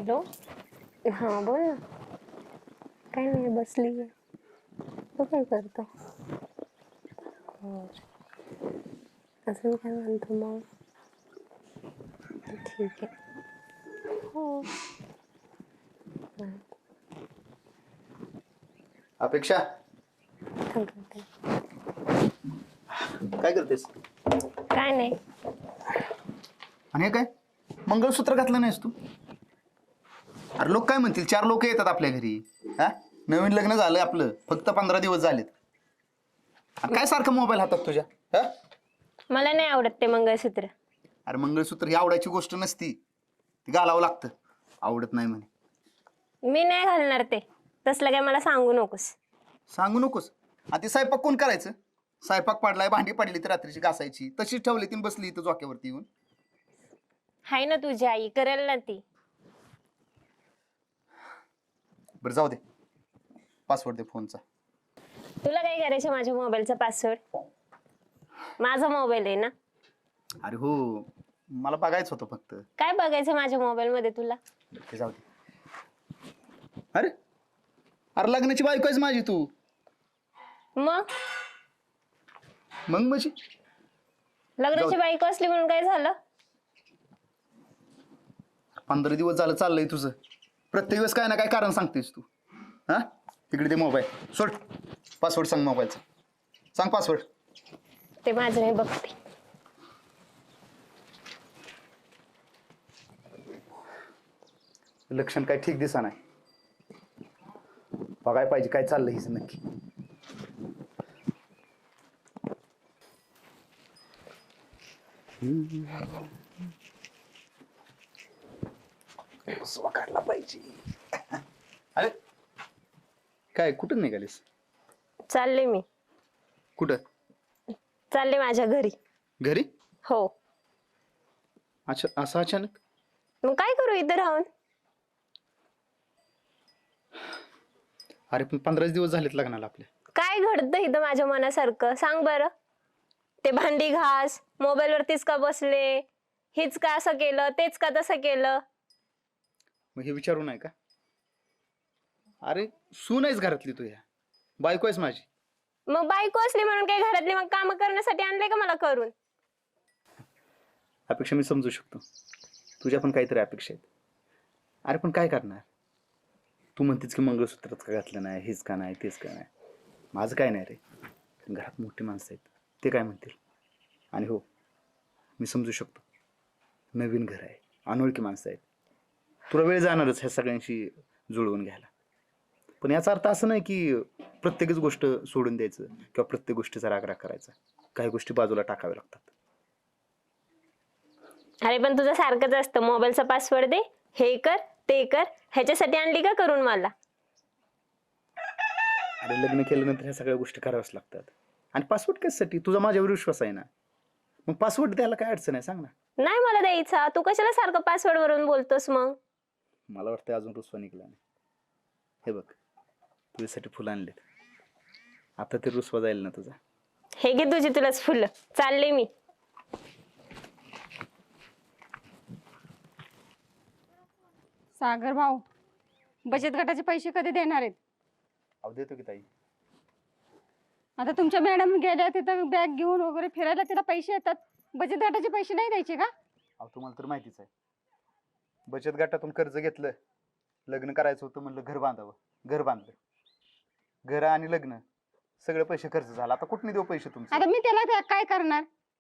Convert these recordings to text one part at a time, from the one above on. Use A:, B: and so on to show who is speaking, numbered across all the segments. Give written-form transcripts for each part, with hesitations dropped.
A: Hello. हां बोल ना. काय नाही बसली आहे. तू काय करतो? हो. अजून काय म्हणतो मग? ठीक आहे. हो.
B: अपेक्षा
A: थांब थांब.
B: काय करतेस?
A: काय नाही.
B: आणि हे काय मंगळसूत्र घातलं नाहीस तू? अरे लोक काय म्हणतील, 4 लोक येतात आपल्या घरी. हा, नवीन लग्न झालं आपलं, फक्त 15 दिवस झालेत. आणि काय सारखं मोबाईल हातात तुझ्या? हा,
A: मला नाही आवडत ते मंगळसूत्र.
B: अरे मंगळसूत्र ही आवडायची गोष्ट नसती, ती घालावं लागतं. आवडत नाही म्हणे.
A: मी नाही घालणार ते. तसलं काय मला सांगू नकोस.
B: सांगू नकोस. आणि ते स्वयंपाक कोण करायचं? स्वयंपाक पडलाय, भांडी पडली तर रात्रीची घासायची, तशीच ठेवली ती बसली इथं झोक्यावरती येऊन.
A: हाय ना तुझी आई, करेल ना ती.
B: बरं जाऊ दे, पासवर्ड दे फोनचा.
A: तुला काय करायचं माझ्या मोबाईलचा पासवर्ड? माझा मोबाईल आहे ना.
B: अरे हो, मला बघायचं होतं फक्त.
A: काय बघायचं माझ्या मोबाईल मध्ये तुला?
B: ते जाऊ दे. अरे अरे लग्नाची बायको आहेस माझी तू.
A: मग
B: मग म्हणजे
A: लग्नाची बायको असली म्हणून काय झालं?
B: 15 दिवस झालं चाललंय तुझं. प्रत्येक वेळेस काय ना काय कारण सांगतेस तू. हा, तिकडे ते मोबाईल सोड. पासवर्ड सांग मोबाईलचा. सांग पासवर्ड.
A: ते माझं नाही बघते.
B: लक्षण काय ठीक दिसा नाही. बघाय पाहिजे काय चाललंय हिचं नक्की. बसवा काढला पाहिजे. अरे काय कुठं निघालीस?
A: चालले मी.
B: कुठं?
A: चालले माझ्या घरी.
B: घरी?
A: हो.
B: अच्छा, असं अचानक?
A: मग काय करू इथं राहून?
B: अरे पण 15 दिवस झालेत लग्नाला आपल्या.
A: काय घडतं इथं माझ्या मनासारखं सांग बरं. ते भांडी घास, मोबाईल वरतीच का बसले, हेच का असं केलं, तेच का तसं केलं.
B: मग हे विचारू नाही का? अरे सून आहेस घरातली तू, ह्या बायको आहेस माझी.
A: मग बायको असली म्हणून काय घरातली मग काम करण्यासाठी आणले का मला करून?
B: अपेक्षा मी समजू शकतो, तुझ्या पण काहीतरी अपेक्षा आहेत. अरे पण काय करणार? तू म्हणतेस की मंगळसूत्रच का घातलं नाही, हेच का नाही, तेच का नाही. माझं काय नाही रे. घरात मोठी माणसं आहेत, ते काय म्हणतील. आणि हो, मी समजू शकतो, नवीन घर आहे, अनोळखी माणसं आहेत, तुला वेळ जाणारच ह्या सगळ्यांशी जुळवून घ्यायला. पण याचा अर्थ असं नाही की प्रत्येकच गोष्ट सोडून द्यायचं किंवा प्रत्येक गोष्टीचा राग करायचा. काही गोष्टी बाजूला टाकाव्या लागतात.
A: अरे पण तुझं सारखंच असतं, मोबाईलचा पासवर्ड दे, हे कर ते कर. ह्याच्यासाठी आणली का करून मला?
B: अरे लग्न केल्यानंतर ह्या सगळ्या गोष्टी कराव्याच लागतात. आणि पासवर्ड कशासाठी? तुझा माझ्यावर विश्वास आहे ना, मग पासवर्ड द्यायला काय अडचण आहे सांग ना.
A: नाही मला द्यायचा. तू कशाला सारखं पासवर्ड वरून बोलतोस मग?
B: मला वाटतं अजून रुसवा निघला नाही. हे बघ, तुझ्यासाठी फुलं आणलेत, आता ते रुसवा जाईल ना तुझा.
A: हे घे तुझी तुलाच फुलं. चालले मी.
C: सागर भाऊ, बचत गटाचे पैसे कधी देणार आहेत?
B: अहो देतो की ताई.
C: आता तुमच्या मॅडम गेल्या तिथं बॅग घेऊन वगैरे फिरायला, तिला पैसे येतात. बचत गटाचे पैसे नाही द्यायचे का?
B: अहो तुम्हाला तर माहितीच आहे, बचत गटातून कर्ज घेतलं, लग्न करायचं होतं, म्हणलं घर बांधावं, घर बांधलं. घर आणि लग्न सगळे पैसे खर्च झाला. आता कुठून देऊ पैसे तुमचे?
C: आता मी त्याला काय करणार?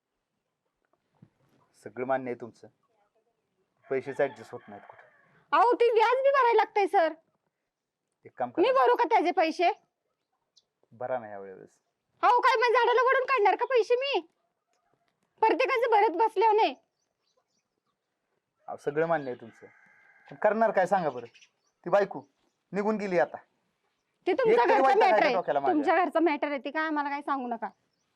B: सगळं मान्य आहे तुमचं, पैसेच ऍडजस्ट होत नाहीत कुठं.
C: अहो ती व्याज बी भरायला लागतंय सर.
B: एक काम
C: मी
B: करा,
C: भरू का त्याचे पैसे?
B: भरा ना यावेळेस.
C: अहो काय मग झाडाला वडून काढणार का पैसे मी? प्रत्येकाचं भरत बसल्यावर नाही.
B: अहो सगळं मान्य आहे तुमचं, पण करणार काय सांगा बरं. ती बायको निघून गेली आता.
C: ते तुमच्या
B: एक तरी
C: घरचा
B: वैताग आहे
C: मॅटर
B: त्या
C: आहे.
B: डोक्याला माझ्या.
C: तुमच्या घरचा मॅटर आहे, ते काय आम्हाला काय सांगू नका.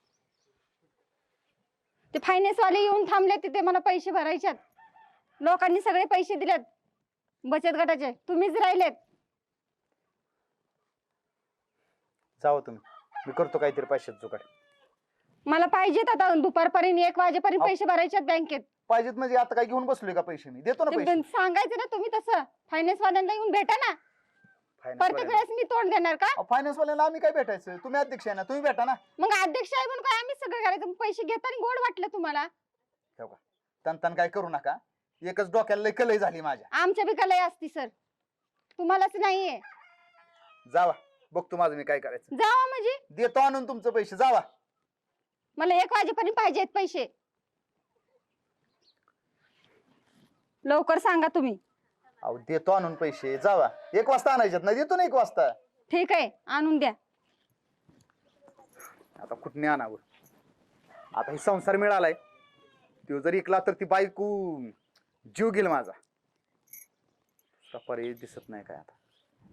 C: ते फायनान्स वाले येऊन थांबले तिथे, मला पैसे भरायच्यात. लोकांनी सगळे पैसे दिलेत बचत गटाचे, तुम्हीच राहिलेत.
B: जावं तुम्ही, मी करतो काहीतरी पैशात जुगाड.
C: मला पाहिजेत आता दुपारपर्यंत 1 वाजेपर्यंत
B: अहो.
C: पैसे भरायचे आहेत बँकेत.
B: पाहिजेत म्हणजे आता काय घेऊन बसलोय का पैसे? मी देतो ना
C: ते
B: पैसे.
C: सांगायचं ना तुम्ही तसं. फायनान्स वाल्यांना येऊन भेटा ना. प्रत्येक वेळेस मी तोंड देणार का?
B: फायनान्स वाल्याला आम्ही काय भेटायचं? तुम्ही अध्यक्ष आहे ना, तुम्ही भेटा ना.
C: मग अध्यक्ष आहे म्हणून काय आम्ही सगळं करायचं? पैसे घेताना गोड वाटलं तुम्हाला?
B: तन काय करू नका. एकच डोक्याला लय कलई झाली माझ्या.
C: आमच्या बी कलई असती सर, तुम्हालाच नाहीये.
B: जावा, बघतो माझं मी काय करायचं.
C: जावा म्हणजे
B: देतो आणून तुमचं पैसे. जावा.
C: मला 1 वाजेपर्यंत पाहिजेत पैसे. लवकर सांगा तुम्ही.
B: अहो देतो आणून पैसे. जावा. 1 वाजता आणायच्यात ना, देतो ना 1 वाजता.
C: ठीक आहे, आणून द्या.
B: आता कुठने आणावं? आता हे संसार मिळालाय, तो जर इकला तर ती बायको जीव गेल माझा. पर्याय दिसत नाही काय आता.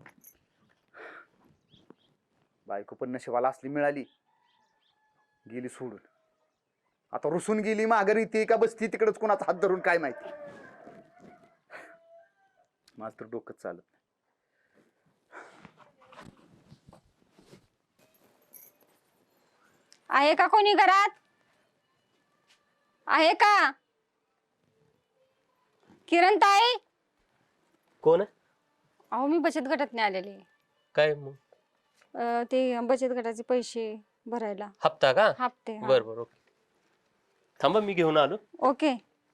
B: बायको पण नशिबाला असली मिळाली, गेली सोडून. आता रुसून गेली माघारी, ती का बसती तिकडच कोणाचा हात धरून काय माहिती. माझं तर डोकंच चालत नाही.
C: आहे का कोणी घरात? आहे का? किरण ताई?
D: कोण आहे?
C: अहो मी बचत गटात आलेले.
D: काय मग?
C: ते बचत गटाचे पैसे भरायला.
D: हप्ता का?
C: हप्ते. हा.
D: बर बर, ओके. थांबा मी घेऊन आलो.
C: ओके.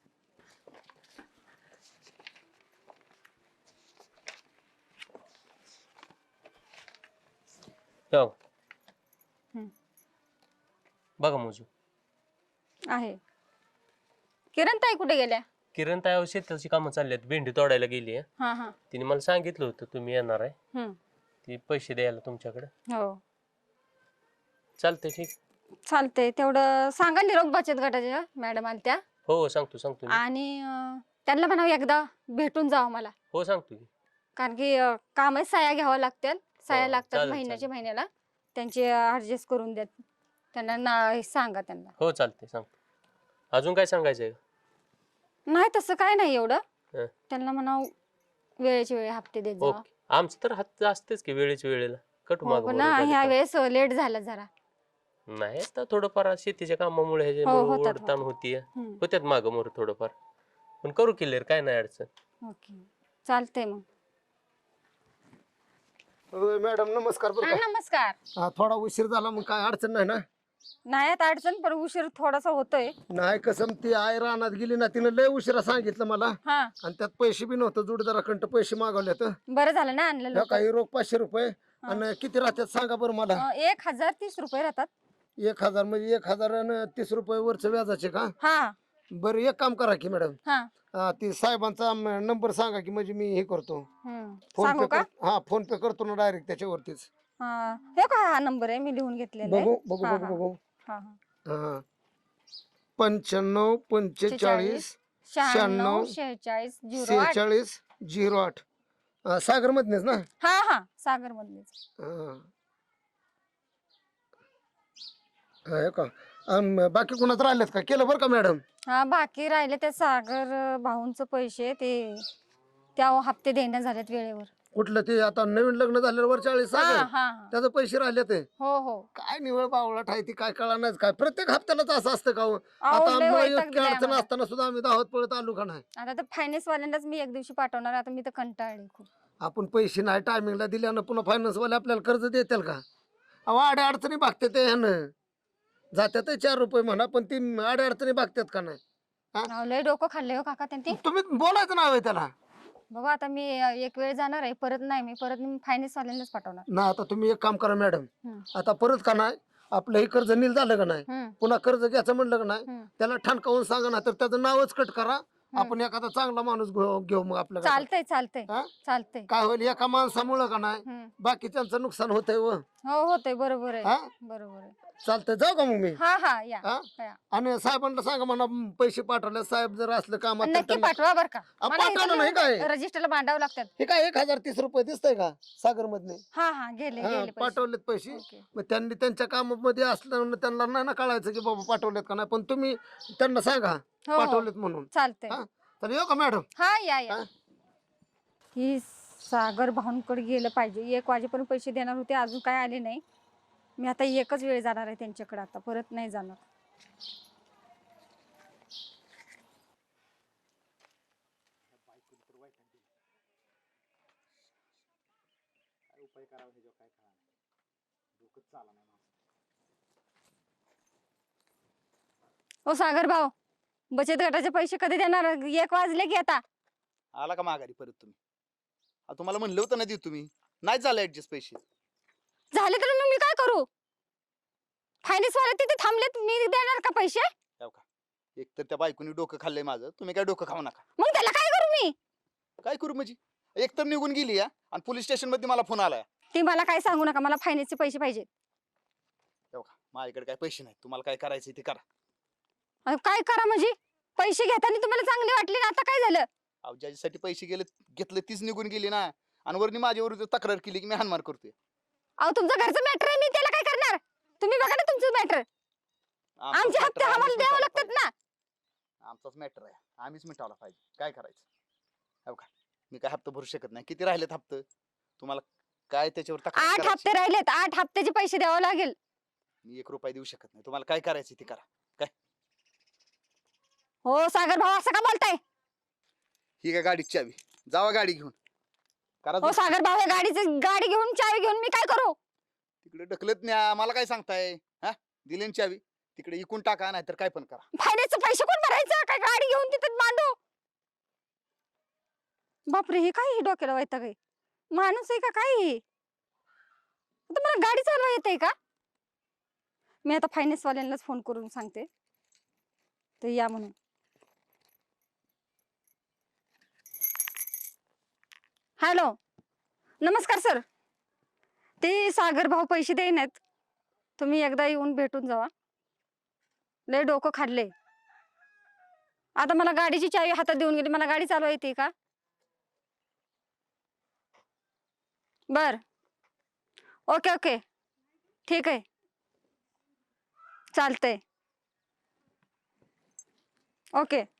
D: जाऊ.
C: हम्म.
D: बघा मोजू.
C: आहे. किरण ताई कुठे गेल्या?
D: किरण ताई शेताची कामं चालली आहेत, भेंडी तोडायला गेली आहे.
C: हा हा.
D: तिने मला सांगितलं होतं तुम्ही येणार आहे,
C: हम्म.
D: ती पैसे द्यायला तुमच्याकडे.
C: हो
D: चालतंय, ठीक.
C: चालतंय. तेवढं सांगा निरोप बचत गटाच्या मॅडम आल्या त्या.
D: हो सांगतो सांगतो मी.
C: आणि त्यांना म्हणावं एकदा भेटून जावं मला,
D: हो सांगतो की.
C: कारण की कामच साया घ्यावं लागतील. साया
D: हो,
C: लागतात
D: चालेल,
C: महिन्याच्या
D: चालेल.
C: महिन्याला. त्यांचे ऍडजस्ट करून द्या त्यांना ना, सांगा त्यांना.
D: हो चालतंय, सांगतो. अजून काय सांगायचंय?
C: नाही तसं काय नाही एवढं.
D: हं.
C: त्यांना म्हणावं वेळेची वेळ हप्ते देत जा.
D: ओके. आमचं तर हात असतेच की वेळेच्या वेळेला. कटू
C: हो,
D: मागं
C: पण
D: मोरं झालं
C: ह्या
D: का?
C: वेळेस लेट झालं जरा.
D: नाही आता थोडंफार शेतीच्या कामामुळे
C: हो,
D: ह्याच्यामुळे
C: होतात,
D: ओढताण होतीये.
C: हम्म.
D: होत्यात मागं मोर थोडंफार, पण करू क्लिअर, काय नाही अडचण.
C: ओके चालतंय मग.
E: मॅडम नमस्कार. बरं
C: हा,
E: का?
C: नमस्कार.
E: हा, थोडा उशीर झाला मग काय अडचण नाही ना?
C: नाही आता अडचण, पण उशीर थोडासा होतोय.
E: नाही कसं ती आई रानात गेली ना, तिनं लय उशिरा सांगितलं मला.
C: हा
E: आणि त्यात पैसे बी नव्हतं, जोडीदाराकडं पैसे मागवले तर
C: बरं झालं ना आणलं लवकर.
E: काही रोख 500 रुपये. आणि किती राहतात सांगा बरं मला?
C: 1030 रुपये राहतात.
E: 1000 म्हणजे 1030 रुपये वरचं व्याजाचे का?
C: हा
E: बरं एक काम करा की मॅडम,
C: हा.
E: ती साहेबांचा नंबर सांगा की म्हणजे मी हे करतो. फोन
C: सांगू
E: पे
C: का?
E: हा फोन पे करतो ना डायरेक्ट त्याच्यावरतीच.
C: हे का हा नंबर आहे, मी लिहून घेतलेला आहे.
E: बघू बघू
C: हा,
E: बघू
C: हा.
E: बघू.
C: हा, हा.
E: हा 95 45
C: 96 46 08.
E: 46 08. सागर मधनेच ना?
C: हा हा सागर मधलेच.
E: हा का? बाकी कुणाच राहिलेत का? केलं बरं का मॅडम?
C: हा बाकी राहिले ते सागर भाऊंचे पैसे, ते त्या हप्ते देण्यात झालेत वेळेवर.
E: कुठलं ते आता नवीन लग्न झाल्यावर 40
C: हा
E: सागर
C: हा हा.
E: त्याचे पैसे राहिले ते?
C: हो हो.
E: काय निवळ बावळाट आहे ती, काय कळणार काय? प्रत्येक हप्त्यालाच असं असतं का हो?
C: अहो,
E: आता
C: लय
E: आम्हाला
C: वैताग
E: इतकी
C: दिलाय
E: अडचण
C: आम्हाला.
E: असताना सुद्धा आम्ही धावत पळत आलो का नाही?
C: आता तर फायनान्स वाल्यांनाच मी एक दिवशी पाठवणार. आता मी तर कंटाळले खूप.
E: आपण पैसे नाही टायमिंगला दिल्यानं पुन्हा फायनान्स वाले आपल्याला कर्ज देतील का? अहो आड्या अडचणी भागते ते ह्यानं. जात्यात 4 रुपये म्हणा, पण ती आड्या अडचणी भागतात का नाही?
C: अहो, लय डोकं खाल्ले हो काका त्यांनी.
E: तुम्ही बोलायचं नाव आहे त्याला
C: बघा आता मी एक वेळ जाणार आहे, परत नाही. मी परत फायनान्स वाल्यांनाच पाठवणार.
E: ना. आता तुम्ही एक काम करा मॅडम,
C: हम्म.
E: आता परत का नाही आपलं हे कर्ज नील झालं का नाही,
C: हम्म.
E: पुन्हा कर्ज घ्यायचं म्हणलं का नाही,
C: हम्म.
E: त्याला ठणकावून सांगा ना, तर त्याचं नावच कट करा. आपण एखादा चांगला माणूस घेऊ मग आपल्या घरात.
C: चालतंय चालतंय
E: हा?
C: चालतंय.
E: काय होईल एका माणसामुळं का नाही
C: हम्म.
E: बाकीच्यांचं नुकसान होतंय व.
C: हो होतंय, बरोबर
E: हा?
C: आहे, बरोबर आहे.
E: चालतंय, जाऊ का मग मी?
C: हा हा या
E: हा?
C: या.
E: आणि साहेबांना सांगा म्हणा पैसे पाठवले, साहेब जर असलं कामात तर
C: नक्की
E: त्यांना-
C: पाठवा बर का.
E: पाठवलं नाही काय?
C: रजिस्टरला बांधावं लागतात.
E: हे काय 1030 रुपये दिसतंय का सागर मधने?
C: हा हा गेले गेले पैसे.
E: पाठवलेत पैसे.
C: ओके.
E: मग त्यांनी त्यांच्या कामामध्ये असल्यानं त्यांना नाही ना कळायचं की बाबा पाठवलेत का नाही, पण तुम्ही त्यांना सांगा
C: हो, हो.
E: पाठवलेत म्हणून.
C: चालतंय.
E: हा? तर येऊ का मॅडम?
C: हा या या.
E: हा?
C: ही सागर भाऊंकडे गेलं पाहिजे. 1 वाजेपर्यंत पैसे देणार होते, अजून काय आले नाही. मी आता एकच वेळ जाणार आहे त्यांच्याकडे, आता परत नाही जाणार. ओ सागर भाऊ, बचत गटाचे पैसे कधी देणार? 1 वाजले की आता.
B: आला का माघारी परत तुम्ही? तुम्हाला म्हणलं होतं ना देऊ तुम्ही, नाही झालं ऍडजस्ट पैसे.
C: झाले तर मग मी काय करू? फायनान्स वाले तिथे थांबलेत, मी देणार का पैसे?
B: हो का? एक तर त्या बायकोनी डोकं खाल्लंय माझं, तुम्ही काय डोकं खाऊ नका.
C: मग त्याला काय करू मी?
B: काय करू म्हणजे? एक तर निघून गेली या, आणि पोलीस स्टेशन मध्ये मला फोन आलाय.
C: ती मला काय सांगू नका, मला फायनान्सचे पैसे पाहिजे.
B: हो का? माझ्याकडे काय पैसे नाही, तुम्हाला काय करायचं ते करा.
C: काय करा म्हणजे? पैसे घेताना तुम्हाला चांगले वाटले ना, आता काय झालं?
B: अहो ज्याच्यासाठी पैसे घेतले तीच निघून गेली ना, आणि वरनी माझ्या विरुद्ध तक्रार केली की मी हानमार करतोय.
C: अहो तुमचं घरचं मॅटर आहे, मी त्याला काय करणार? तुम्ही बघा ना तुमचं मॅटर. आमचे हप्ते आम्हाला द्यावे लागतात ना.
B: आमचाच मॅटर आहे, आम्हीच मिटावला पाहिजे. काय करायचं? हो का? मी काय हप्ता भरू शकत नाही. किती राहिलेत हप्ते तुम्हाला? काय त्याच्यावर
C: 8 हप्ते राहिलेत, 8 हप्त्याचे पैसे द्यावे लागेल.
B: मी 1 रुपया देऊ शकत नाही. तुम्हाला काय करायचं ते करा.
C: हो सागर भाऊ, असं का बोलताय?
B: ही काय गाडीची चावी, जावा गाडी घेऊन. करा
C: हो सागर भाऊ, गाडी घेऊन चावी घेऊन मी काय करू?
B: तिकडे ढकलत न्या, मला काय सांगताय? हा, दिली ना चावी, तिकडे इकून टाका, नाही तर काय पण करा.
C: फायनान्सचे पैसे कोण भरायचं? काय गाडी घेऊन तिथं मांडू? बापरे, हे काय डोक्याला वैताग आहे? माणूस आहे का काय हे? तुम्हाला गाडी चालवा येते का? मी आता फायनान्स वाल्यांनाच फोन करून सांगते, ते या म्हणून. हॅलो, नमस्कार सर. ते सागर भाऊ पैसे देईनात, तुम्ही एकदा येऊन भेटून जावा. लय डोकं खाल्ले. आता मला गाडीची चावी हातात देऊन गेली, मला गाडी चालवा येते का? बर, ओके ओके, ठीक आहे, चालतंय, ओके.